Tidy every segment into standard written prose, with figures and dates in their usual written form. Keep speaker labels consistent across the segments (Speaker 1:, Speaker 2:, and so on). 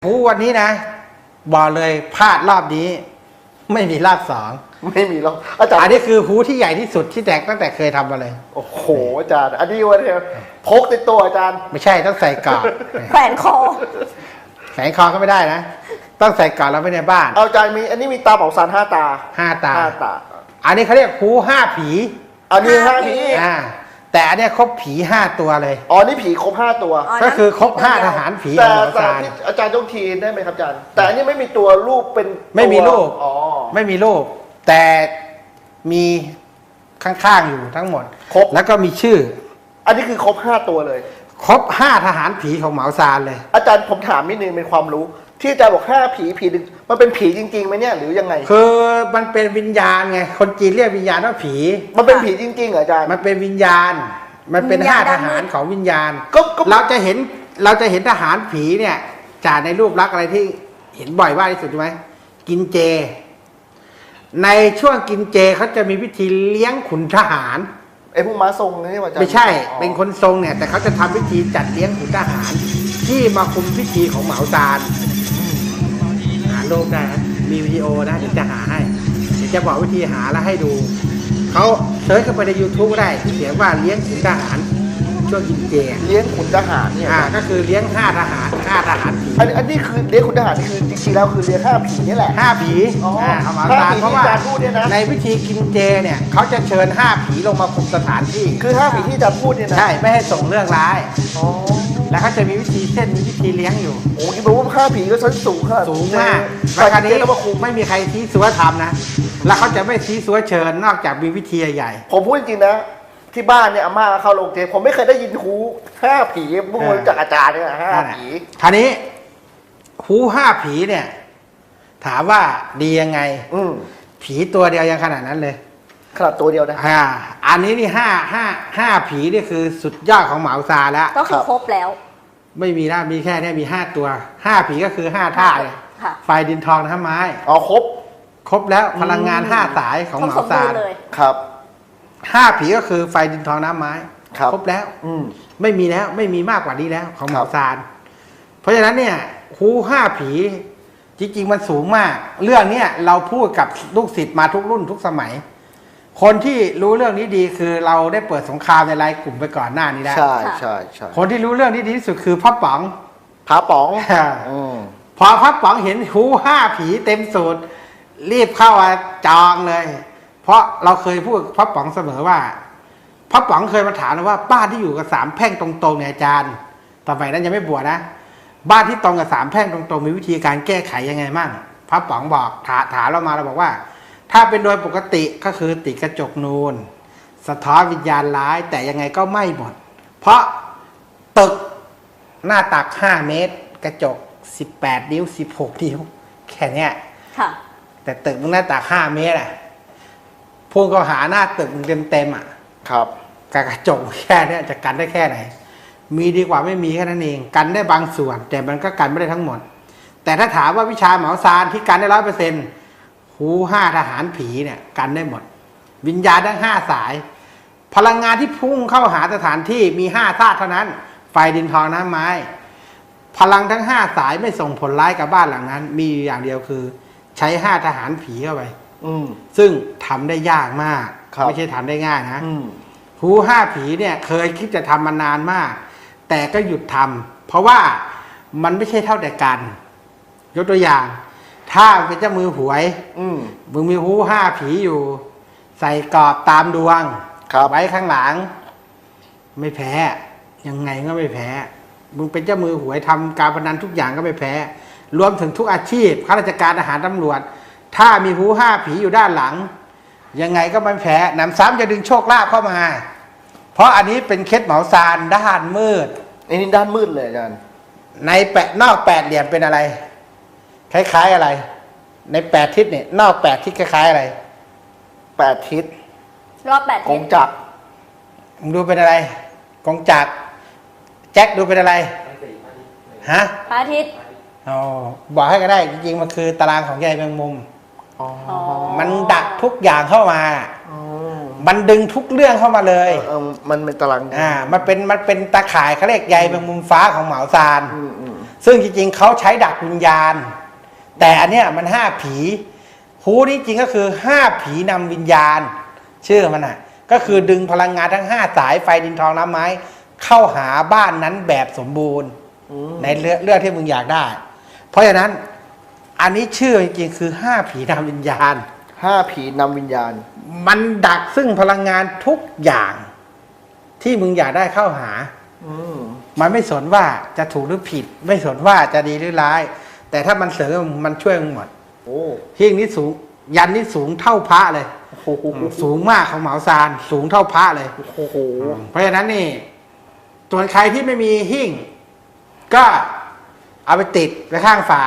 Speaker 1: วันนี้นะบอกเลยพลาดรอบนี้ไม่มีรอบสอง
Speaker 2: ไม่มีหรอกอาจารย์
Speaker 1: อันนี้คือฮูที่ใหญ่ที่สุดที่แตกตั้งแต่เคยทำมาเลย
Speaker 2: โอ้โหอาจารย์อันนี้วันนี้พกติดตัวอาจารย์
Speaker 1: ไม่ใช่ต้องใส่กอด
Speaker 3: แขวนคอ
Speaker 1: แขวนคอก็ไม่ได้นะต้องใส่กอดเราไว้ในบ้าน
Speaker 2: เอาอาจารย์มีอันนี้มีตาเผาซาน5 ตา
Speaker 1: 5 ตา
Speaker 2: อั
Speaker 1: นนี้เขาเรียกฮู5 ผี
Speaker 2: อันนี้5 ผี
Speaker 1: แต่อันนี้ครบผี5 ตัวเลย
Speaker 2: อ๋อนี่ผีครบ5 ตัว
Speaker 1: ก็คือครบ5 ทหารผี
Speaker 2: แต่อาจารย์ต้องทีได้ไหมครับอาจารย์แต่อันนี้ไม่มีตัวรูปเป็น
Speaker 1: ไม่มีรูป
Speaker 2: อ๋อ
Speaker 1: ไม่มีรูปแต่มีข้างๆอยู่ทั้งหมด
Speaker 2: ครบ
Speaker 1: แล้วก็มีชื่อ
Speaker 2: อันนี้คือครบ5 ตัวเลย
Speaker 1: ครบ5 ทหารผีของเหมาซานเลย
Speaker 2: อาจารย์ผมถามนิดนึงเป็นความรู้ที่อาจารย์บอก5 ผีหนึ่งมันเป็นผีจริงๆไหมเนี่ยหรือยังไง
Speaker 1: คือมันเป็นวิญญาณไงคนจีนเรียกวิญญาณว่าผี
Speaker 2: มันเป็นผีจริงๆเหรออาจารย์
Speaker 1: มันเป็นวิญญาณมันเป็น5 ทหารของวิญญาณเราจะเห็นทหารผีเนี่ยจากในรูปลักษณ์อะไรที่เห็นบ่อยมากที่สุดใช่ไหมกินเจในช่วงกินเจเขาจะมีวิธีเลี้ยงขุนทหาร
Speaker 2: ไอ้พวกม้าทรงนี่ว่าอาจารย์
Speaker 1: ไม่ใช่เป็นคนทรงเนี่ยแต่เขาจะทำวิธีจัดเลี้ยงขุนทหารที่มาคุมพิธีของเหมาซานหารูปได้นะมีวิดีโอนะเดี๋ยวจะหาให้เดี๋ยวจะบอกวิธีหาแล้วให้ดูเขาเซิร์ชเข้าไปใน YouTube ก็ได้เขียนว่าเลี้ยงขุนทหารช่วงกินเจ
Speaker 2: เลี้ยงขุนทหารเนี่ย
Speaker 1: ก็คือเลี้ยง5 ทหารผี
Speaker 2: อันนี้คือเลี้ยงขุนทหารนี่คือจริงๆแล้วคือเลี้ยง5 ผีนี่แหละ
Speaker 1: 5 ผีเอามาตามเพราะว่าในวิธีกินเจเนี่ยเขาจะเชิญ5 ผีลงมาคุมสถานที่
Speaker 2: คือ5 ผีที่จะพูดเนี่ยนะ
Speaker 1: ใช่ไม่ให้ส่งเรื่องร้ายแล้วเขาจะมีวิธีเส้นมีวิธีเลี้ยงอยู่
Speaker 2: โอ้ยรู้ว่า5 ผีก็ชั้นสูงค่ะ
Speaker 1: สูงมากแล้วคราวนี้ไม่มีใครชี้สัวทำนะแล้วเขาจะไม่ชี้สัวเชิญนอกจากมีวิธีใหญ่
Speaker 2: ผมพูดจริงๆนะที่บ้านเนี่ยอาม่าเข้าโรงเจผมไม่เคยได้ยินฮู5 ผีพวกมึงจากอาจารย์เนี่ย5 ผี
Speaker 1: คราวนี้ฮู5 ผีเนี่ยถามว่าดียังไงผีตัวเดียวยังขนาดนั้นเลย
Speaker 2: ขนาดตัวเดียวนะ
Speaker 1: อันนี้นี่5 ผีนี่คือสุดยอดของเหมาซาแล้ว
Speaker 3: ก็คือครบแล้ว
Speaker 1: ไม่มีนะมีแค่นี้มี5 ตัว5 ผีก็คือ5 ท่าเลยไฟดินทองน้ำไม้
Speaker 2: อ๋อครบ
Speaker 1: แล้วพลังงาน5 สายของเหมาซา
Speaker 2: ครับ
Speaker 1: 5 ผีก็คือไฟดินทองน้ำไม้ครบแล้วไม่มีแล้วไม่มีมากกว่านี้แล้วของเหมาซานเพราะฉะนั้นเนี่ยฮู5 ผีจริงๆมันสูงมากเรื่องนี้เราพูดกับลูกศิษย์มาทุกรุ่นทุกสมัยคนที่รู้เรื่องนี้ดีคือเราได้เปิดสงครามในรายกลุ่มไปก่อนหน้านี้แล้ว
Speaker 2: ใช่
Speaker 1: คนที่รู้เรื่องนี้ดีที่สุดคือพระป๋อง
Speaker 2: พ
Speaker 1: อพระป๋องเห็นฮู5 ผีเต็มสูตรรีบเข้ามาจองเลยเพราะเราเคยพูดพระป๋องเสมอว่าพระป๋องเคยมาถามว่าบ้านที่อยู่กับ3 แพร่งตรงๆเนี่ยอาจารย์ต่อไปนั้นยังไม่บวชนะบ้านที่ตรงกับ3 แพร่งตรงๆมีวิธีการแก้ไขยังไงมั่งพระป๋องบอกถามเรามาเราบอกว่าถ้าเป็นโดยปกติก็คือติดกระจกนูนสะท้อนวิญญาณร้ายแต่ยังไงก็ไม่หมดเพราะตึกหน้าตัก5 เมตรกระจก18 นิ้ว16 นิ้วแค่นี้แต่ตึกหน้าตัก5 เมตรพุ่งเข้าหาหน้าตึกเต็ม
Speaker 2: ครับ
Speaker 1: กระจกแค่นี้จะกันได้แค่ไหนมีดีกว่าไม่มีแค่นั้นเองกันได้บางส่วนแต่มันก็กันไม่ได้ทั้งหมดแต่ถ้าถามว่าวิชาเหมาซานที่กันได้100%ฮู5 ทหารผีเนี่ยกันได้หมดวิญญาณทั้ง5 สายพลังงานที่พุ่งเข้าหาสถานที่มี5 ธาตุเท่านั้นไฟดินทองน้ำไม้พลังทั้ง5 สายไม่ส่งผลร้ายกับบ้านหลังนั้นมีอย่างเดียวคือใช้5 ทหารผีเข้าไปซึ่งทำได้ยากมากไม่ใช่ทำได้ง่ายนะฮู5 ผีเนี่ยเคยคิดจะทำมานานมากแต่ก็หยุดทำเพราะว่ามันไม่ใช่เท่าแต่กันยกตัวอย่างถ้าเป็นเจ้ามือหวยมึงมีฮู5 ผีอยู่ใส่กรอบตามดวงไว้ข้างหลังไม่แพ้ยังไงก็ไม่แพ้มึงเป็นเจ้ามือหวยทำการพนันทุกอย่างก็ไม่แพ้รวมถึงทุกอาชีพข้าราชการทหารตำรวจถ้ามีฮู5 ผีอยู่ด้านหลังยังไงก็ไม่แพ้หนำซ้ำจะดึงโชคลาภเข้ามาเพราะอันนี้เป็นเคล็ดเหมาซานด้านมืด
Speaker 2: อันนี้ด้านมืดเลยอาจารย์
Speaker 1: ในนอก8 เหลี่ยมเป็นอะไรคล้ายๆอะไรใน8 ทิศเนี่ยนอก8 ทิศคล้ายๆอะไร
Speaker 2: 8 ทิศ
Speaker 3: รอบ8 ทิศ
Speaker 2: กงจักร
Speaker 1: มึงดูเป็นอะไรกงจักรแจ็คดูเป็นอะไรฮะ
Speaker 3: พระอาทิตย์
Speaker 1: บอกให้ก็ได้จริงๆมันคือตารางของใยแมงมุมมันดักทุกอย่างเข้ามามันดึงทุกเรื่องเข้ามาเลย
Speaker 2: มันเป็นตาราง
Speaker 1: มันเป็นตาข่ายเขาเรียกใยแมงมุมฟ้าของเหมาซานซึ่งจริงๆเขาใช้ดักวิญญาณ แต่อันเนี้ยมัน5 ผีฮูนี่จริงก็คือ5 ผีนำวิญญาณ ชื่อมันอ่ะก็คือดึงพลังงานทั้ง5 สายไฟดินทองน้ำไม้เข้าหาบ้านนั้นแบบสมบูรณ์ในเรื่องที่มึงอยากได้ เพราะฉะนั้นอันนี้ชื่อจริงๆคือ5 ผีนำวิญญาณ
Speaker 2: 5 ผีนำวิญญาณ
Speaker 1: มันดักซึ่งพลังงานทุกอย่างที่มึงอยากได้เข้าหา มันไม่สนว่าจะถูกหรือผิด ไม่สนว่าจะดีหรือร้าย แต่ถ้ามันเสริมมันช่วยมึงหมด
Speaker 2: โอ้
Speaker 1: หิ้งนี้สูง ยันนี้สูงเท่าพระเลย
Speaker 2: โอ้โห
Speaker 1: สูงมากของเหมาซานสูงเท่าพระเลย
Speaker 2: โอ้โห
Speaker 1: เพราะฉะนั้นนี่ส่วนใครที่ไม่มีหิ้งก็เอาไปติดไว้ข้างฝา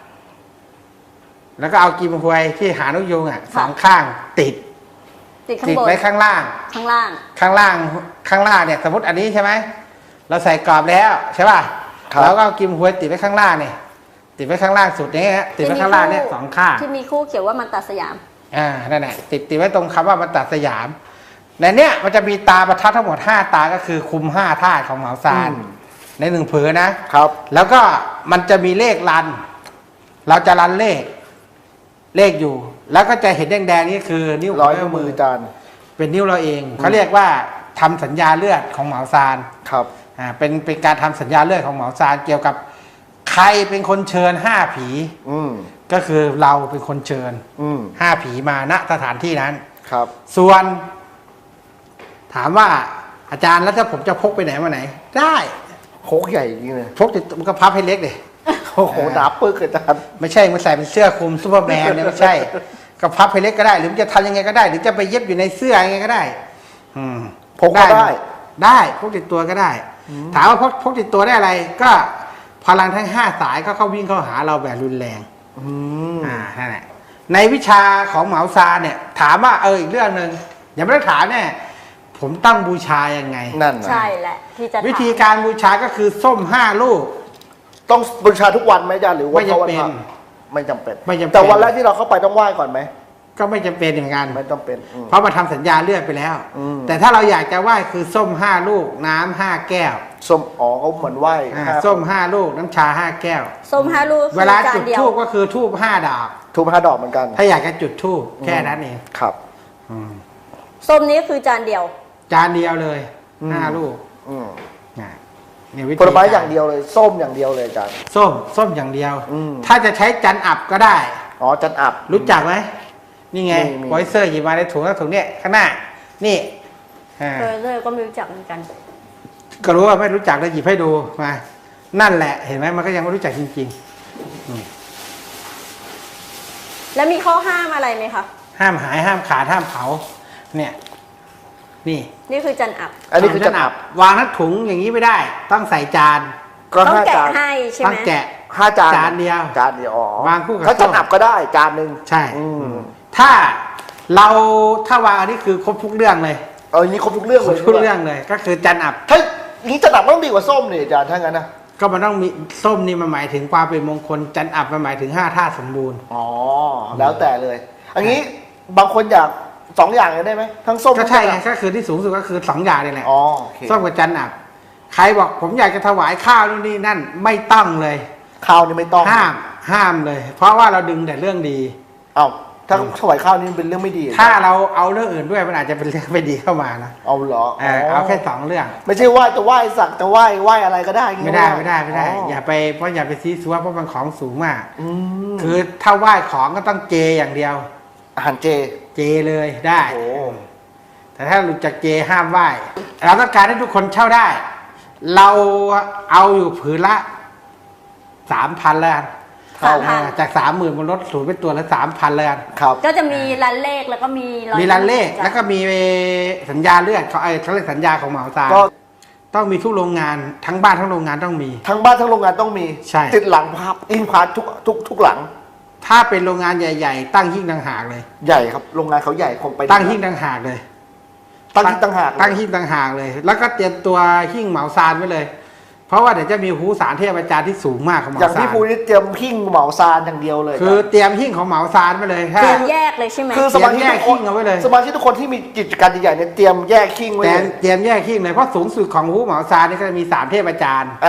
Speaker 1: แล้วก็เอากีมฮวยที่หานกยูงสองข้างติด
Speaker 3: ติดข้าง
Speaker 1: ติด
Speaker 3: บน
Speaker 1: ไว้ข้างล่าง
Speaker 3: ข้างล่าง
Speaker 1: ข้างล่างเนี่ยสมมติอันนี้ใช่ไหมเราใส่กรอบแล้วใช่ป่ะ
Speaker 2: ครับ
Speaker 1: แล้วก็เอากิมหวยติดไว้ข้างล่างเนี่ยติดไว้ข้างล่างสุดนี้ฮะติดไว้ข้างล่างเนี่ยสองข้าง
Speaker 3: ที่มีคู่เขียนว่ามันตัดสยาม
Speaker 1: นั่นแหละติดไว้ตรงคำว่ามันตัดสยามในเนี้ยมันจะมีตาประทัดทั้งหมด5 ตาก็คือคุม5 ธาตุของเหมาซานใน1 ผืนนะครับ แล้วก็มันจะมีเลขรัน เราจะรันเลขอยู่ แล้วก็จะเห็นแดงๆนี่คือนิ้ว
Speaker 2: ร้อยนิ้วมือจาน
Speaker 1: เป็นนิ้วเราเองเขาเรียกว่าทำสัญญาเลือดของเหมาซาน
Speaker 2: ครับ
Speaker 1: เป็นการทำสัญญาเลือดของเหมาซานเกี่ยวกับใครเป็นคนเชิญ5 ผี ก็คือเราเป็นคนเชิญ5 ผีมาณสถานที่นั้น
Speaker 2: ครับ
Speaker 1: ส่วน ถามว่าอาจารย์แล้วถ้าผมจะพกไปไหนมาไหน ได้
Speaker 2: โคกใหญ่จริงเลย
Speaker 1: พกติดมันก็พับให้เล็กเลย
Speaker 2: โอ้โหหนาปึกอาจารย์
Speaker 1: ไม่ใช่มันใส่เป็นเสื้อคลุมซูเปอร์แมนเนี่ยไม่ใช่ ก็พับให้เล็กก็ได้ หรือมันจะทำยังไงก็ได้ หรือจะไปเย็บอยู่ในเสื้อยังไงก็ได้
Speaker 2: พกก็ได้
Speaker 1: ได้พกติดตัวก็ได้ ถามว่าพกติดตัวได้อะไร ก็พลังทั้ง5 สายก็เข้าวิ่งเข้าหาเราแบบรุนแรงนั่นแหละในวิชาของเหมาซานเนี่ย ถามว่าอีกเรื่องหนึ่งอย่าไม่ต้องถามแน่ผมตั้งบูชายังไง
Speaker 2: นั่นนะ
Speaker 3: ใช่แหละ ที่จะถาม
Speaker 1: วิธีการบูชาก็คือส้ม5 ลูก
Speaker 2: ต้องบูชาทุกวันไหมอาจารย์หรือว่า
Speaker 1: ไม่จำเป็น
Speaker 2: ไม่จำเป็น
Speaker 1: ไม่จำเป็น
Speaker 2: แต่วันแรกที่เราเข้าไปต้องไหว้ก่อนไหม
Speaker 1: ก็ไม่จำเป็นเหมือนกัน
Speaker 2: ไม่ต้องเป็น
Speaker 1: เพราะมาทำสัญญาเลือดไปแล้ว แต่ถ้าเราอยากจะไหว้คือส้ม5 ลูก น้ำ5 แก้ว
Speaker 2: ส้มอ๋อเขาเหมือนไหว้
Speaker 1: ส้ม5 ลูก น้ำชา5 แก้ว
Speaker 3: ส้ม5 ลูก
Speaker 1: เวลา
Speaker 3: คือจา
Speaker 1: จุ
Speaker 3: น
Speaker 1: ด
Speaker 3: เดียว
Speaker 1: ทูบก็คือทูบ5 ดอก
Speaker 2: ทูบ5 ดอกเหมือนกัน
Speaker 1: ถ้าอยากจะจุดทูบแค่นั้นเอง
Speaker 2: ครับ
Speaker 3: ส้มนี้คือจานเดียว
Speaker 1: จานเดียวเลย5 ลูกเนี่ยวิธี
Speaker 2: ผลไม้อย่างเดียวเลย ส้มอย่างเดียวเลยอาจารย์
Speaker 1: ส้มอย่างเดียว ถ้าจะใช้จันอับก็ได้
Speaker 2: อ๋อจันอับ
Speaker 1: รู้จักไหมนี่ไง
Speaker 2: มี
Speaker 1: ไวเซอร์หยิบมาในถุงแล้วถุงเนี้ยข้างหน้า นี่
Speaker 3: เลยก็ไม่รู้จักเหมือนกัน
Speaker 1: ก็รู้ว่าไม่รู้จักเลยหยิบให้ดูมา นั่นแหละเห็นไหมมันก็ยังไม่รู้จักจริง
Speaker 3: แล้วมีข้อห้ามอะไรไหมคะ
Speaker 1: ๆ ห้ามหายห้ามขาดห้ามเผา เนี่ย นี่
Speaker 3: นี่คือจันอับ
Speaker 2: อันนี้คือจันอับ
Speaker 1: วางทั้งถุงอย่างนี้ไม่ได้ ต้องใส่จาน
Speaker 2: ก็
Speaker 3: ต้อง
Speaker 2: 5
Speaker 3: แกะ
Speaker 2: จาน
Speaker 3: ให้ใช่
Speaker 1: ต้
Speaker 3: ไห
Speaker 1: อ
Speaker 3: ม
Speaker 1: งแกะ
Speaker 2: 5 จาน
Speaker 1: จานเดียว
Speaker 2: จานเดียวอ๋อ
Speaker 1: วางคู่กับ
Speaker 2: ถ้าจัน
Speaker 1: ส้ม
Speaker 2: อับก็ได้จานหนึ่ง
Speaker 1: ใช่
Speaker 2: ถ้า
Speaker 1: ถ้าวางอันนี้คือครบทุกเรื่องเลย
Speaker 2: อย่างนี้ครบทุกเรื่อง
Speaker 1: คร
Speaker 2: เล
Speaker 1: บ
Speaker 2: ย
Speaker 1: ทุกเรื่องเลย ก็คือจันอับ
Speaker 2: ถ้านี้จันอับต้องดีกว่าส้มนี่อาจารย์ถ้างั้นนะ
Speaker 1: ก็มันต้องมีส้มนี่มันหมายถึงความเป็นมงคลจันอับมันหมายถึง5 ธาตุสมบูรณ์
Speaker 2: อ๋อแล้วแต่เลย อันนี้บางคนอยาก2 อย่างเลยได้ไหมทั้งส้ม
Speaker 1: ก็ใช่ไง
Speaker 2: ทั้ง
Speaker 1: ก็คือที่สูงสุดก็คือ2 อย่างนี่แหละ
Speaker 2: อ๋อโอเค
Speaker 1: ส้มกับจันอับ ใครบอกผมอยากจะถวายข้าวนู่นนี่นั่นไม่ต้องเลย
Speaker 2: ข้าวนี่ไม่ต้อง
Speaker 1: ห้ามเลย เพราะว่าเราดึงแต่เรื่องดี
Speaker 2: เอ้าถ้าถวายข้าวนี่เป็นเรื่องไม่ดี
Speaker 1: ถ้าเราเอาเรื่องอื่นด้วยมันอาจจะเป็นเรื่องไม่ดีเข้ามานะ
Speaker 2: เอาเหรอ
Speaker 1: เอาแค่2 เรื่อง
Speaker 2: ไม่ใช่ว่าจะไหว้สักจะไหว้อะไรก็ได้อย่างงี้
Speaker 1: ไม่ได้
Speaker 2: อ๋อ
Speaker 1: อย่าไปซีซัวเพราะมันของสูงมาก
Speaker 2: ม
Speaker 1: คือถ้าไหว้ของก็ต้องเจอย่างเดียว
Speaker 2: อาหารเจ
Speaker 1: เจเลยได้
Speaker 2: โอ้
Speaker 1: แต่ถ้าหลุดจากเจห้ามไหว้เราต้องการให้ทุกคนเช่าได้ เราเอาอยู่ผืนละ 3,000แล้วกัน
Speaker 3: 3,000
Speaker 1: จาก 30,000มันลดศูนย์เป็นตัวละ 3,000แล้วกัน
Speaker 2: ครับ
Speaker 3: ก็จะมีรันเลขแล้วก็มีร้อย
Speaker 1: มีรันเลข
Speaker 3: จ้ะ
Speaker 1: แล้วก็มีสัญญาเลือดเขาเรียกสัญญาของเหมาซาน
Speaker 2: ก็
Speaker 1: ต้องมีทุกโรงงานทั้งบ้านทั้งโรงงานต้องมี
Speaker 2: ทั้งบ้านทั้งโรงงานต้องมี
Speaker 1: ใช่
Speaker 2: ติดหลังพับอิงพาร์ททุกหลัง
Speaker 1: ถ้าเป็นโรงงานใหญ่ๆ ตั้งหิ้งต่างหากเลย
Speaker 2: ใหญ่ครับโรงงานเขาใหญ่คงไป
Speaker 1: ตั้งหิ้งต่างหากเลย
Speaker 2: ตั้งหิ้งต่างหาก
Speaker 1: ตั้งหิ้งต่างหากเลย แล้วก็เตรียมตัวหิ้งเหมาซานไว้เลย เพราะว่าเดี๋ยวจะมีหูสารเทพอาจารย์ที่สูงมากของเหมา
Speaker 2: อย่าง
Speaker 1: ซา
Speaker 2: พี่
Speaker 1: น
Speaker 2: ภูนี่เตรียมหิ้งเหมาซานอย่างเดียวเลย
Speaker 1: คือเตรียมหิ้งของเหมาซานไปเลย
Speaker 3: เตรียมแยกเลยใช่ไหม
Speaker 2: คือสมาชิก
Speaker 1: แยก
Speaker 2: ทุกค
Speaker 1: หิ้
Speaker 2: น
Speaker 1: งเอาไว้เลย
Speaker 2: สมาชิกทุกคนที่มีกิจการใหญ่ๆเนี่ยเตรียมแยกหิ้งไว้
Speaker 1: แต่
Speaker 2: เลย
Speaker 1: เตรียมแยกหิ้งเลยเพราะสูงสุดของหูเหมาซานนี่ก็จะมี3 เทพอาจารย์
Speaker 2: อ่า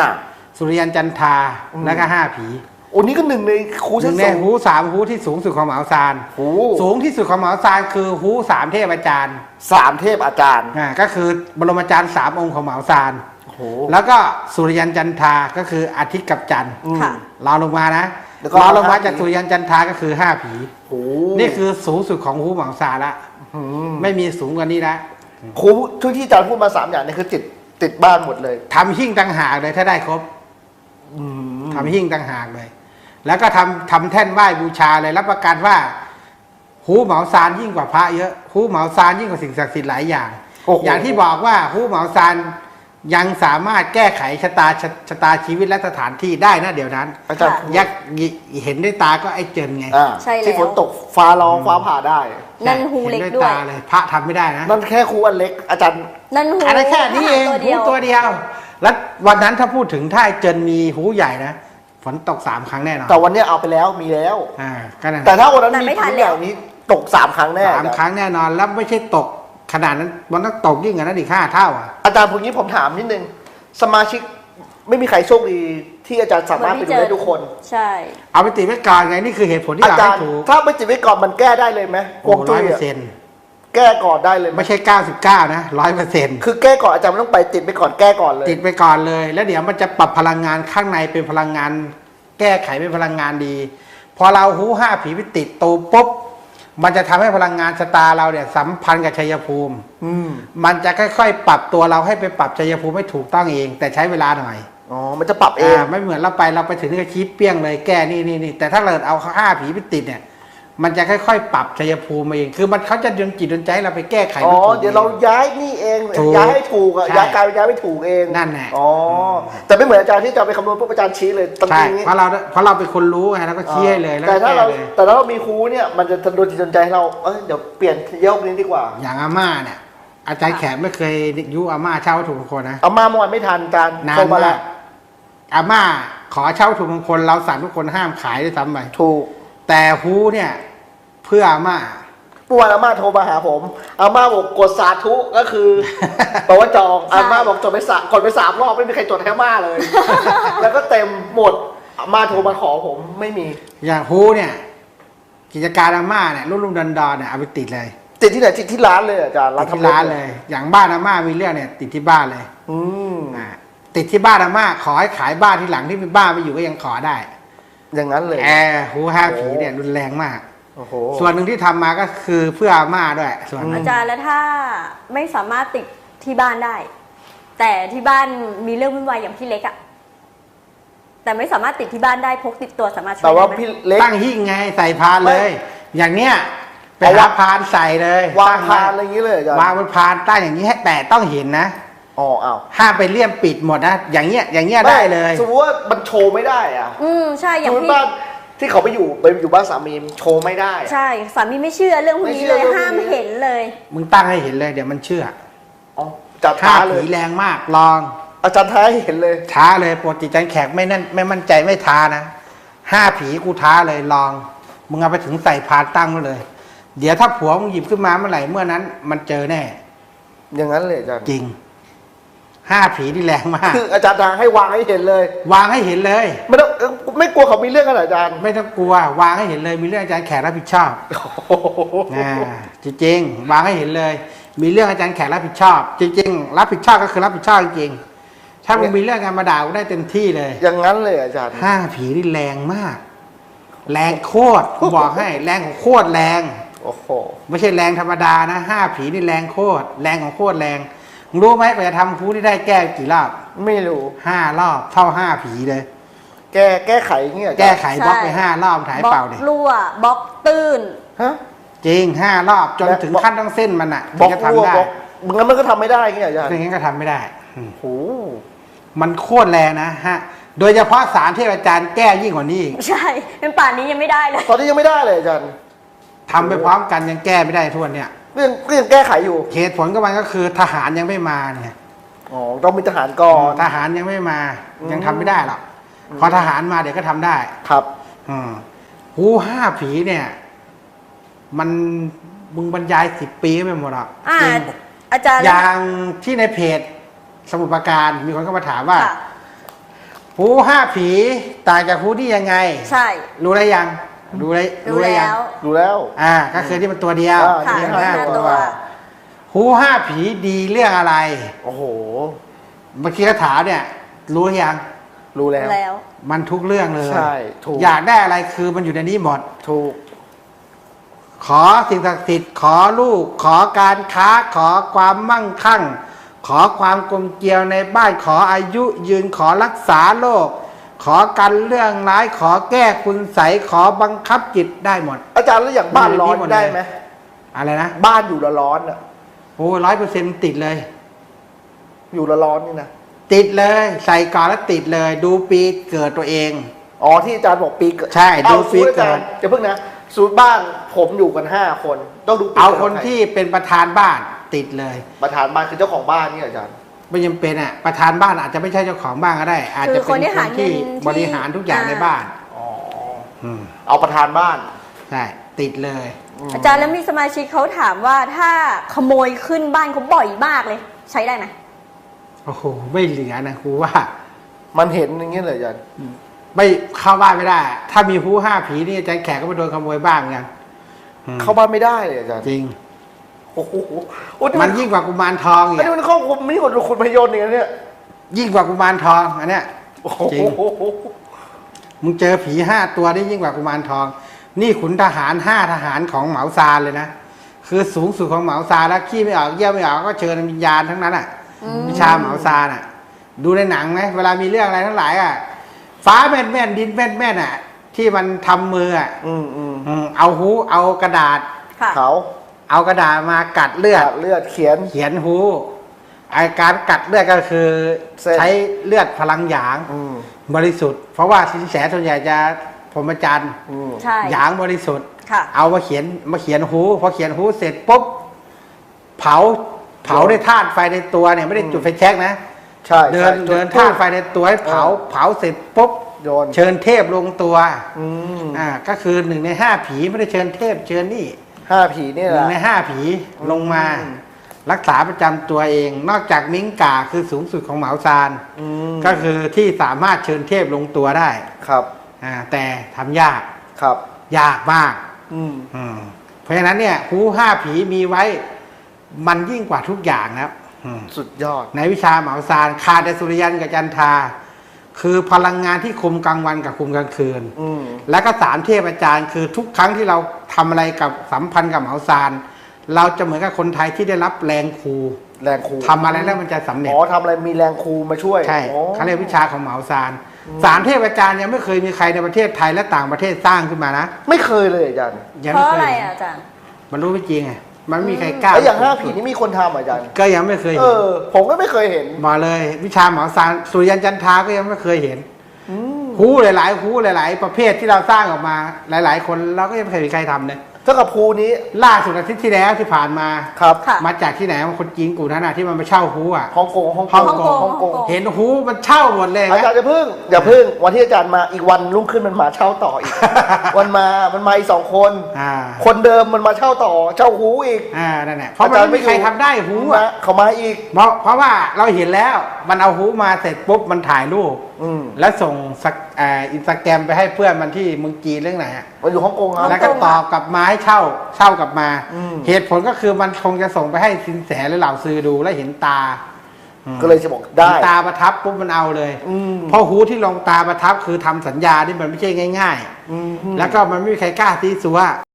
Speaker 1: สุริยันจันทราแล้วก็5 ผี
Speaker 2: โอ้นี่ก็หนึ่งในครู
Speaker 1: ห
Speaker 2: ชั้
Speaker 1: นึ่
Speaker 2: น
Speaker 1: งใน
Speaker 2: สูง
Speaker 1: ฮู3ฮูที่สูงสุดของเหมาซาน
Speaker 2: โอ้
Speaker 1: สูงที่สุดของเหมาซานคือฮู3 เทพอาจารย์
Speaker 2: 3 เทพอาจารย์
Speaker 1: ก็คือบรมอาจารย์3 องค์ของเหมาซาน
Speaker 2: โอ้โห
Speaker 1: แล้วก็สุริยันจันทราก็คืออาทิตย์กับจันทร์
Speaker 3: ค่ะ
Speaker 1: รองลงมานะ
Speaker 2: แล้วก็
Speaker 1: รองลงมา
Speaker 2: 5
Speaker 1: จากสุริยันจันทราก็คือ5 ผี
Speaker 2: โอ้
Speaker 1: นี่คือสูงสุดของฮูเหมาซานละ
Speaker 2: ม
Speaker 1: ไม่มีสูงกว่านี้ละ
Speaker 2: ครูทุกที่อาจารย์พูดมา3 อย่างนี่คือติดบ้านหมดเลย
Speaker 1: ทำหิ้งต่างหากเลยถ้าได้ครบ ทำหิ้งต่างหากเลย แล้วก็ทำแท่นไหว้บูชาเลยรับประกันว่าฮูเหมาซานยิ่งกว่าพระเยอะฮูเหมาซานยิ่งกว่าสิ่งศักดิ์สิทธิ์หลายอย่าง
Speaker 2: โอ้โห
Speaker 1: อย่างที่บอกว่าฮูเหมาซานยังสามารถแก้ไขชะตาชีวิตและสถานที่ได้นะเดี๋ยวนั้น
Speaker 2: อาจารย์
Speaker 3: ค่ะ
Speaker 1: ยักษ์เห็นด้วยตาก็ไอ้เจินไง
Speaker 3: ใช่แล้ว
Speaker 2: ที่ฝนตกฟ้าร้องฟ้าผ่าได้
Speaker 3: นั่นฮูเล็ก
Speaker 1: ห็น
Speaker 3: ด้วย
Speaker 1: ตาเลย พระทำไม่ได้นะ
Speaker 2: นั่นแค่ครูอันเล็กอาจารย์
Speaker 3: นั่นหู
Speaker 1: อันนั้นแค่นี้เอง
Speaker 3: ตัว
Speaker 1: ฮู
Speaker 3: เดียว
Speaker 1: ตัวเดียว แล้ววันนั้นถ้าพูดถึงถ้าไอ้เจินมีฮูใหญ่นะฝนตก3 ครั้งแน่นอน
Speaker 2: แต่วันเนี้ยเอาไปแล้วมีแล้ว
Speaker 1: ก็นั่น
Speaker 2: แต่ถ้าวันนั้น
Speaker 3: แต่
Speaker 2: มี
Speaker 3: ไม่ทั
Speaker 2: ผ
Speaker 3: น
Speaker 2: ล
Speaker 3: แล้ว
Speaker 2: อย่างนี้ตก3 ครั้งแน่
Speaker 1: 3 ครั้งแน่นอนแล้วไม่ใช่ตกขนาดนั้นมันต้องตกยิ่งกว่านั้นอีก5 เท่าอ่ะ
Speaker 2: อาจารย์พวกนี้ผมถามนิดนึงสมาชิกไม่มีใครโชคดีที่อาจารย์สามารถไปดูได้ทุกคน
Speaker 3: ใช่
Speaker 1: เอาไปติดไว้ก่อนไงนี่คือเหตุผลที่
Speaker 2: อา
Speaker 1: เรา
Speaker 2: จาร
Speaker 1: ให้
Speaker 2: ย์
Speaker 1: ถูก
Speaker 2: ถ้าไม่ติดไว้ก่อนมันแก้ได้เลยไหมฮวงจุ้ยอะ
Speaker 1: 100%
Speaker 2: แก้ก่อนได้เลยไหม
Speaker 1: ไม่ใช่99นะ100%
Speaker 2: คือแก้ก่อนอาจารย์ไม่ต้องไปติดไปก่อนแก้ก่อนเลย
Speaker 1: ติดไปก่อนเลย แล้วเดี๋ยวมันจะปรับพลังงานข้างในเป็นพลังงาน แก้ไขเป็นพลังงานดี พอเราหู5 ผีไปติดตูปุ๊บมันจะทำให้พลังงานสตาร์เราเนี่ยสัมพันธ์กับชัยภูมิ
Speaker 2: อืม
Speaker 1: มันจะค่อยๆ ปรับตัวเราให้ไปปรับชัยภูมิให้ถูกต้องเอง แต่ใช้เวลาหน่อย
Speaker 2: อ๋อมันจะปรับเอง
Speaker 1: ไม่เหมือนเราไปถึงนี่ก็ชี้เปี้ยงเลยแก้นี่แต่ถ้าเราเอา5 ผีไปติดเนี่ย มันจะค่อยๆ ปรับชัยภูมิมาเอง คือมันเขาจะดลจิตดลใจให้เราไปแก้ไข
Speaker 2: อ๋อ
Speaker 1: มันถูก
Speaker 2: เดี๋ยวเราย้ายนี่เอง
Speaker 1: ถูก
Speaker 2: ย้ายให้ถูกอะ
Speaker 1: ใช่
Speaker 2: ย้ายกลายเป็นย้ายไม่ถูกเอง
Speaker 1: นั่นแหละ
Speaker 2: อ๋อแต่ไม่เหมือนอาจารย์ที่จะไปคำนวณปุ๊บอาจารย์ชี้เลยตรง
Speaker 1: ใช่
Speaker 2: นี้
Speaker 1: เพราะเราเป็นคนรู้ไงเราก็ชี้ให้เลยแล้ว
Speaker 2: แต่
Speaker 1: ก็
Speaker 2: ถ้า
Speaker 1: แก้
Speaker 2: เรา
Speaker 1: เลย
Speaker 2: แต่ถ้าเรามีครูเนี่ยมันจะโดนจิตโดนใจให้เราเดี๋ยวเปลี่ยนยกนี้ดีกว่า
Speaker 1: อย่างอาม่าเนี่ย อาจารย์แขกไม่เคยยุอาม่าเช่าวัตถุมงคลนะ
Speaker 2: เอามาเมื่อวานไม่ทันอาจารย์
Speaker 1: นา
Speaker 2: โทร
Speaker 1: น
Speaker 2: มาแล้
Speaker 1: มาว กอาม่าขอเช่าวัตถุมงคลเราสั่งทุกคนห้ามขายด้วยซ้ำไป
Speaker 2: ถูก
Speaker 1: แต่ฮูเนี่ย เพื่ออาม่า
Speaker 2: เมื่อวานอาม่าโทรมาหาผมอาม่าบอกกดสาธุก็คือ บอกว่าจองอาม่าบอกจดไปกดไป3 รอบไม่มีใครจดให้อาม่าเลย แล้วก็เต็มหมดอาม่าโทรมาขอผมไม่มี
Speaker 1: อย่างฮูเนี่ย กิจการอาม่าเนี่ยรุ่มๆดอนๆเนี่ยเอาไปติดเลย
Speaker 2: ติดที่ไหนติดที่ร้านเลยอาจารย์
Speaker 1: ติด
Speaker 2: ทำ
Speaker 1: ที่ร้านเลย อย่างบ้านอาม่ามีเรื่องเนี่ย ติดที่บ้านเลย
Speaker 2: อืม
Speaker 1: ติดที่บ้านอาม่าขอให้ขายบ้านที่หลังที่เป็นบ้านไปอยู่ก็ยังขอได้
Speaker 2: อย่างนั้นเลย
Speaker 1: ฮู5 ผีเนี่ยรุนแรงมาก
Speaker 2: โอ้โห
Speaker 1: ส่วนหนึ่งที่ทำมาก็คือเพื่ออาม่าด้วย ส่วนหนึ่ง
Speaker 3: อาจารย์แล้วถ้าไม่สามารถติดที่บ้านได้ แต่ที่บ้านมีเรื่องวุ่นวายอย่างพี่เล็กอะแต่ไม่สามารถติดที่บ้านได้พกติดตัวสามารถช่วย
Speaker 2: แต่ว่า
Speaker 3: ได้ไหม
Speaker 2: พี่เล็ก
Speaker 1: ตั้งหิ้งไงใส่พานเลย อย่างเนี้ยไป
Speaker 2: เอา
Speaker 1: หาว
Speaker 2: ะ
Speaker 1: พานใส่เลยว
Speaker 2: าง
Speaker 1: ตั้
Speaker 2: พานอะไรอย่างนี้เลยอาจารย์
Speaker 1: วางบนพานตั้งอย่างนี้ให้แต่ต้องเห็นนะ
Speaker 2: อ๋ออ้าว
Speaker 1: ห้ามไปเลี่ยมปิดหมดนะอย่างเงี้ยได้เลย
Speaker 2: สมมติว่ามันโชว์ไม่ได้อะ
Speaker 3: ใช่อ
Speaker 2: ส
Speaker 3: ย่าม ง
Speaker 2: มติ
Speaker 3: พี่
Speaker 2: บ้านที่เขาไปอยู่บ้านสามีโชว์ไม่ได้อะ
Speaker 3: ใช่สามีไม่เชื่อเรื่องพวกนี้เลย
Speaker 2: ไม่เชื่อ
Speaker 3: ห้ามเห็นเลย
Speaker 1: มึงตั้งให้เห็นเลยเดี๋ยวมันเชื่อ
Speaker 2: อ๋อจัด
Speaker 1: ท้า
Speaker 2: ท้าเล
Speaker 1: ผี
Speaker 2: ย
Speaker 1: แรงมากลอง
Speaker 2: อาจารย์ท้าให้เห็นเลย
Speaker 1: ท้าเลยปกติจันแขกไม่มั่นใจไม่ท้านะ5 ผีกูท้าเลยลอง มึงเอาไปถึงใส่พานตั้งไว้เลย เดี๋ยวถ้าผัวมึงหยิบขึ้นมาเมื่อไหร่เมื่อนั้น มันเจอแน่
Speaker 2: อย่างนั้นเลยอาจารย์
Speaker 1: จริง5 ผีที่แรงมาก
Speaker 2: คืออาจารย์ท้าให้วางให้เห็นเลย
Speaker 1: วางให้เห็นเลย
Speaker 2: ไม่ต้องไม่กลัวเขามีเรื่องกันเหรออาจารย์
Speaker 1: ไม่ต้องกลัว วางให้เห็นเลย มีเรื่องอาจารย์แขกรับผิดชอบ
Speaker 2: โอ้โห
Speaker 1: จริงๆวางให้เห็นเลย มีเรื่องอาจารย์แขกรับผิดชอบ จริงๆรับผิดชอบก็คือรับผิดชอบจริงๆถ้ามึงมีเรื่องการมาด่ากูได้เต็มที่เลย
Speaker 2: อย่างนั้นเลยอาจารย์
Speaker 1: 5 ผีนี่แรงมาก แรงโคตรกูบอกให้ แรงของโคตรแรง
Speaker 2: โอ้โห
Speaker 1: ไม่ใช่แรงธรรมดานะ5 ผีนี่แรงโคตรแรงของโคตรแรงมึงรู้ไหมกว่าจะทำคูที่ได้แก้กี่รอบ
Speaker 2: ไม่รู้
Speaker 1: 5 รอบเท่า5 ผีเลย
Speaker 2: แก้ไขอย่างเงี้ยอาจารย์
Speaker 1: แก้ไขบล็อกไป5 รอบถ่าย
Speaker 3: บล็อ
Speaker 1: เปล่าก เด็
Speaker 3: รั่วบล็อกตื้น
Speaker 2: ฮะ
Speaker 1: จริง5 รอบจน
Speaker 2: และ
Speaker 1: ถึงขั้นต้องเส้นมันอ่ะ
Speaker 2: บล็อก
Speaker 1: ถึงจะ
Speaker 2: รั่ว
Speaker 1: ทำได้
Speaker 2: บล็อกงั้นมันก็ทำไม่ได้อย่างเงี้ยอาจารย์
Speaker 1: ไม่งั้นก็ทำไม่ได้
Speaker 2: โอ้โห
Speaker 1: มันโคตรแรงนะฮะ โดยเฉพาะสารเทพอาจารย์แก้ยิ่งกว่านี้อีก
Speaker 3: ใช่เป็นป่านนี้ยังไม่ได้เลย
Speaker 2: ตอนนี้ยังไม่ได้เลยอาจารย์
Speaker 1: ทำไปพร้อมกันยังแก้ไม่ได้ทุกวันเนี่ย
Speaker 2: ก็ยังแก้ไขอยู่
Speaker 1: เหตุผลก็มันก็คือทหารยังไม่มาเนี่ย
Speaker 2: อ๋อต้องมีทหารก่อน
Speaker 1: ทหารยังไม่มายังทำไม่ได้หรอกพอทหารมาเดี๋ยวก็ทำได้
Speaker 2: ครับ
Speaker 1: หู5 ผีเนี่ย มันมึงบรรยาย10 ปีก็ไม่หมดหรอก จริง
Speaker 3: อาจารย์
Speaker 1: อย่างที่ในเพจสมุทรปราการมีคนเข้ามาถามว่า
Speaker 3: ค่ะ
Speaker 1: หูหูห้าผีต่างจากหูนี่ยังไง
Speaker 3: ใช่
Speaker 1: รู้ได้ยังรู้ได้
Speaker 3: รู้
Speaker 1: ได้ยั
Speaker 3: แล้
Speaker 1: ง
Speaker 3: ว
Speaker 2: ดูแล้ว
Speaker 1: ก็คือที่มันตัวเดียว
Speaker 2: ค่ะ
Speaker 1: นี่
Speaker 3: มี
Speaker 1: ห้า
Speaker 3: ห้า
Speaker 1: ตั
Speaker 3: ตัว ว
Speaker 1: หูห้าผีดีเรื่องอะไร
Speaker 2: โอ้โห
Speaker 1: เมื่อกี้ก็ถามเนี่ย รู้หรือยัง
Speaker 2: รู้แล้ว
Speaker 3: แล้ว
Speaker 1: มันทุกเรื่องเลย
Speaker 2: ใช่ถูก
Speaker 1: อยากได้อะไรคือมันอยู่ในนี้หมด
Speaker 2: ถูก
Speaker 1: ขอสิ่งศักดิ์สิทธิ์ขอลูก ขอการค้า ขอความมั่งคั่ง ขอความกลมเกลียวในบ้านขออายุยืนขอรักษาโรคขอกันเรื่องร้ายขอแก้คุณใสยขอบังคับจิตได้หมด
Speaker 2: อาจารย์แล้วอย่างบ้านร้อน
Speaker 1: มีหมดเลย
Speaker 2: ได้ไหม
Speaker 1: อะไรนะ
Speaker 2: บ้านอยู่ละร้อนอ่ะ
Speaker 1: โอ้100%ติดเลย
Speaker 2: อยู่ละร้อนนี่นะ
Speaker 1: ติดเลยใส่ก่อนแล้วติดเลย ดูปีเกิดตัวเอง
Speaker 2: อ๋อที่อาจารย์บอกปีเกิด
Speaker 1: ใช่ดู
Speaker 2: เอา
Speaker 1: ปี
Speaker 2: สูตรอาจาร
Speaker 1: เกิด
Speaker 2: ย์จะเพิ่งนะสูตรบ้านผมอยู่กัน5 คนต้องดูปี
Speaker 1: เอา
Speaker 2: กิด
Speaker 1: คน
Speaker 2: ใร
Speaker 1: ที่เป็นประธานบ้านติดเลย
Speaker 2: ประธานบ้านคือเจ้าของบ้านนี่เหรออาจารย์
Speaker 1: ไม่จำเป็นอ่ะประธานบ้านอาจจะไม่ใช่เจ้าของบ้านก็ได้ อาจจะ
Speaker 3: คือ
Speaker 1: เป็น
Speaker 3: คนที่หาเงิน
Speaker 1: ที่
Speaker 3: ที่
Speaker 1: บริหารทุกอย่างในบ้าน
Speaker 2: อ๋อ
Speaker 1: อืม
Speaker 2: เอาประธานบ้าน
Speaker 1: ใช่ติดเลย
Speaker 3: อาจารย์แล้วมีสมาชิกเขาถามว่าถ้าขโมยขึ้นบ้านเขาบ่อยมากเลย ใช้ได้ไหม
Speaker 1: โอ้โหไม่เหลือนะครูว่า
Speaker 2: มันเห็นอย่างนี้เลยอาจารย์
Speaker 1: ไม่เข้าบ้านไม่ได้ ถ้ามีผู้ห้าผีนี่อาจารย์แขกก็ไปโดนขโมยบ้างเหมือนกันอืม
Speaker 2: เข้าบ้านไม่ได้เลยอาจารย์
Speaker 1: จริง
Speaker 2: โอ้โหโอ้
Speaker 1: มันยิ่งกว่ากุมารทองอีก
Speaker 2: อันนี้
Speaker 1: อะ
Speaker 2: มันครอบคลุมไม่กว่าคุณพยนต์อย่างนี้เนี่ย
Speaker 1: ยิ่งกว่ากุมารทองอันเนี้ย
Speaker 2: โอ้โห
Speaker 1: จริง มึงเจอผี5 ตัวนี่ยิ่งกว่ากุมารทอง นี่ขุนทหาร5 ทหารของเหมาซานเลยนะคือสูงสุดของเหมาซานแล้วขี้ไม่ออกเยี่ยวไม่ออกก็เชิญวิญญาณทั้งนั้นอ่ะ วิชาเหมาซานอ่ะ ดูในหนังไหมเวลามีเรื่องอะไรทั้งหลายอ่ะ ฟ้าแม่นแม่นดินแม่นแม่นอ่ะ ที่มันทำมืออ่ะ เอาหูเอากระดาษ
Speaker 3: ค่ะ
Speaker 2: เขา
Speaker 1: เอากระดาษมากัดเลือด
Speaker 2: เลือดเขียน
Speaker 1: เขียนหูไอการกัดเลือดก็คือ
Speaker 2: เส้น
Speaker 1: ใช้เลือดพลังหยาง บริสุทธิ์ เพราะว่าสินแสส่วนใหญ่จะพรหมจรรย์
Speaker 3: ใช่
Speaker 1: หยางบริสุทธิ์
Speaker 3: ค่ะ
Speaker 1: เอามาเขียนหูพอเขียนหูเสร็จปุ๊บเผาด้วยธาตุไฟในตัวเนี่ยไม่ได้จุดไฟแช็กนะ
Speaker 2: ใช่
Speaker 1: เดิ
Speaker 2: ใช่
Speaker 1: นธาตุไฟในตัวให้เผาเสร็จปุ๊บ
Speaker 2: โยน
Speaker 1: เชิญเทพลงตัว
Speaker 2: อืม
Speaker 1: ก็คือ1 ใน 5 ผีไม่ได้เชิญเทพเชิญนี่
Speaker 2: 5 ผีนี่แห
Speaker 1: 1
Speaker 2: ละ
Speaker 1: ใน 5 ผีลงมา
Speaker 2: อืม
Speaker 1: รักษาประจำตัวเอง นอกจากมิ้งก่าคือสูงสุดของเหมาซาน
Speaker 2: อืม
Speaker 1: ก็คือที่สามารถเชิญเทพลงตัวได้
Speaker 2: ครับ
Speaker 1: แต่ทำยาก
Speaker 2: ครับ
Speaker 1: ยากมาก
Speaker 2: อืม
Speaker 1: เพราะฉะนั้นเนี่ยหู5 ผีมีไว้มันยิ่งกว่าทุกอย่างแล้ว
Speaker 2: สุดยอด
Speaker 1: ในวิชาเหมาซานคาแต่สุริยันกับจันทราคือพลังงานที่คุมกลางวันกับคุมกลางคืน
Speaker 2: อืม
Speaker 1: แล้วก็3 เทพอาจารย์คือทุกครั้งที่เราทำอะไรกับสัมพันธ์กับเหมาซานเราจะเหมือนกับคนไทยที่ได้รับแรงครู
Speaker 2: แรงครู
Speaker 1: ทำอะไรแล้วมันจะสำเร็จ
Speaker 2: อ๋อทำอะไรมีแรงครูมาช่วย
Speaker 1: ใช่
Speaker 2: อ๋อ
Speaker 1: เขาเรียกวิชาของเหมาซาน3 เทพอาจารย์ยังไม่เคยมีใครในประเทศไทยและต่างประเทศสร้างขึ้นมานะ
Speaker 2: ไม่เคยเลยอาจารย์
Speaker 1: ยัง
Speaker 3: เพ
Speaker 1: ไม่
Speaker 3: ราะ
Speaker 1: เค
Speaker 3: อะไร
Speaker 1: ย
Speaker 3: อ่ะอาจารย์
Speaker 1: มันรู้ไม่จริงไงมันไม่มีใครกล้า
Speaker 2: แล้วอย่าง5 ผีนี่มีคนทำอาจารย์
Speaker 1: ก็ยังไม่เคย
Speaker 2: เอ
Speaker 1: เห็น
Speaker 2: อ ผมก็ไม่เคยเห็น
Speaker 1: มาเลย วิชาเหมาซานสุริยันจันทราก็ยังไม่เคยเห็น
Speaker 2: อืม
Speaker 1: หูหลายๆหูหลาย ๆ ประเภทที่เราสร้างออกมาหลาย ๆ คนเราก็ยังไม่เคยมีใครทำเลย
Speaker 2: เท่ากับครูนี้
Speaker 1: ล่าสุดอาทิตย์ที่แล้วที่ผ่านมา
Speaker 2: ครับ
Speaker 3: ค่ะ
Speaker 1: มาจากที่ไหนมาคนจีนกลุ่มนั้นน่ะที่มันมาเช่าหูอ่ะ
Speaker 2: ฮ่องกง
Speaker 1: ฮ่องกง
Speaker 2: ฮ่องกง
Speaker 1: เห็นหูมันเช่าหมดเลย
Speaker 2: อาจารย์อย่าพึ่งวันที่อาจารย์มาอีกวันรุ่งขึ้นมันมาเช่าต่ออี ก มันมาอีก2 คน
Speaker 1: อ่า
Speaker 2: คนเดิมมันมาเช่าต่อเช่าหูอีก
Speaker 1: นั่นแหละเพราะมันไม่มีใครทำได้หูอ่ะ
Speaker 2: เขามาอีก
Speaker 1: เพราะว่าเราเห็นแล้วมันเอาหูมาเสร็จปุ๊บมันถ่ายรูป
Speaker 2: อืม
Speaker 1: แล้วส่งอินสตาแกรมไปให้เพื่อนมันที่เมืองจีนเรื่องไหนอ่ะ
Speaker 2: มันอยู่ฮ่องกงครับ
Speaker 1: แล้วก็ตอบกลับมาให้เช่ากลับมา
Speaker 2: อืม
Speaker 1: เหตุผลก็คือมันคงจะส่งไปให้สินแสหรือเหล่าซื้อดูแล้วเห็นตา
Speaker 2: ก็เลยจะบอกได้
Speaker 1: เห็นตาประทับปุ๊บมันเอาเลย
Speaker 2: อืม
Speaker 1: เพราะหูที่ลงตาประทับคือทำสัญญาที่มันไม่ใช่ง่าย
Speaker 2: อืม
Speaker 1: ๆ แล้วก็มันไม่มีใครกล้าซีซัว